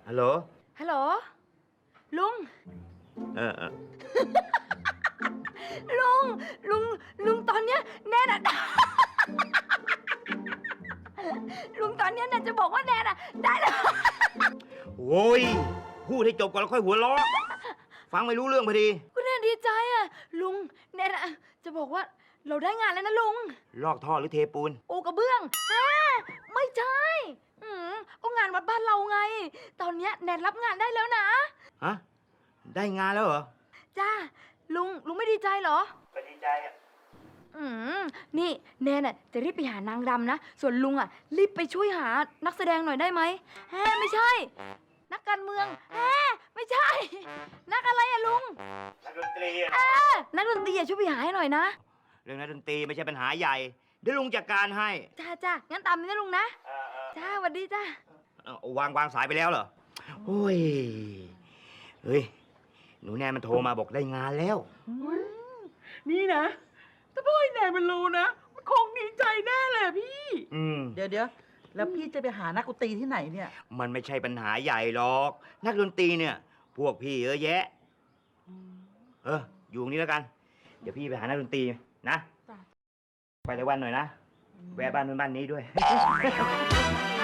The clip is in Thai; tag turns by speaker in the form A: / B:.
A: ฮัลโหล
B: ฮัลโหลลุง
A: เออ
B: ลุงลุงตอนเนี้ยแนนอะ ลุงตอนเนี้ยแนนจะบอกว่าแนนอะได้แล้ว
A: โอ้ยพูดให้จบก่อนแล้วค่อยหัวเราะฟังไม่รู้เรื่องพอดี
B: ก็แนนดีใจอะลุงแนนอะจะบอกว่าเราได้งานแล้วนะลุง
A: ลอกท่อหรือเทปูน
B: โอกระเบื้องไม่ใช่ก็งานวัดบ้านเราไง ตอนเนี้ยแนนรับงานได้แล้วนะ
A: ฮะ ได้งานแล้วเหรอ
B: จ้าลุงไม่ดีใจเหรอ
A: ก็ดีใจอ่ะ
B: นี่แนนน่ะจะรีบไปหานางรำนะ ส่วนลุงอ่ะรีบไปช่วยหานักแสดงหน่อยได้ไหมไม่ใช่ นักการเมืองไม่ใช่ นักอะไรอะลุง
A: นักดนตรีอะ
B: นักดนตรีอะช่วยไปหาให้หน่อยนะ
A: เรื่องนักดนตรีไม่ใช่ปัญหาใหญ่ เดี๋ยวลุงจัดการให้
B: จ้างั้นตามนี้นะลุงนะจ้าสวัสดีจ้า
A: วางสายไปแล้วเหรอ โอ้ย เฮ้ย หนูแนนมันโทรมาบอกได้งานแล้ว
C: นี่นะถ้าพ่อไอ้แนนมันรู้นะมันคงดีใจแน่เลยพี่
D: เดี๋ยวแล้วพี่จะไปหานักดนตรีที่ไหนเนี่ย
A: มันไม่ใช่ปัญหาใหญ่หรอก นักดนตรีเนี่ย พวกพี่เยอะแยะ อยู่ตรงนี้แล้วกัน เดี๋ยวพี่ไปหานักดนตรีนะ
D: จ้ะ
A: ไปในวันหน่อยนะ แวะบ้านนู้นบ้านนี้ด้วย